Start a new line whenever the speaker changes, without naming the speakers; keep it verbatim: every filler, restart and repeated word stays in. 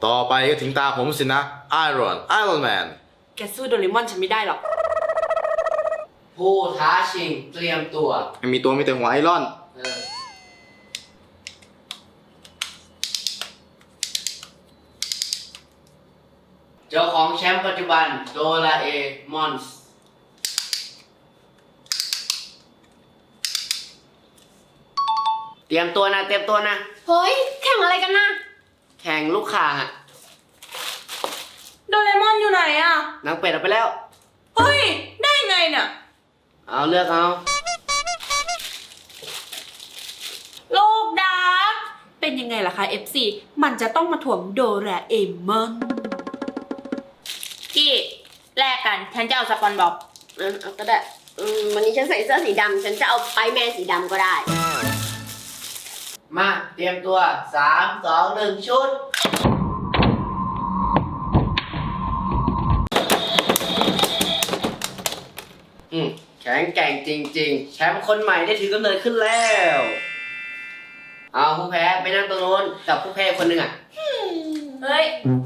ต่อไปก็ถึงตาผมสินะไอรอนไอรอนแมน
แกสู้โดเรมอนฉันไม่ได้หรอก
ผู้ท้าชิงเตรียมตัว
ไม่มีตัวมีแต่หัวไอรอน
เออเจ้าของแชมป์ปัจจุบันโดราเอมอนส์เตรียมตัวนะเตรียมตัวนะ
เฮ้ย แข่งอะไรกันนะ
แข่งลูกข่างอะ
โดเรมอนอยู่ไหนอ่ะ
นางเป็ดเอาไปแล้ว
เฮ้ย ได้ไงเนี่ย
เอาเลือกเอา
โลกดาร์กเป็นยังไงล่ะคะ เอฟ ซี มันจะต้องมาถ่วงโดราเอมอนกี้แลกกัน ฉันจะเอาสปอนบอก
อืมเอาก็ได้อืมวันนี้ฉันใส่เสื้อสีดำ ฉันจะเอาไปแมนสีดำก็ได้
มาเตรียมตัวสามสองหนึ่งชุดอืมแข็งแกร่งจริงๆ แชมป์คนใหม่ได้ถือกำเนิดขึ้นแล้ว เอาผู้แพ้ไปนั่งตรงโน้นกับผู้แพ้คนหนึ่งอ่ะ
เฮ้ย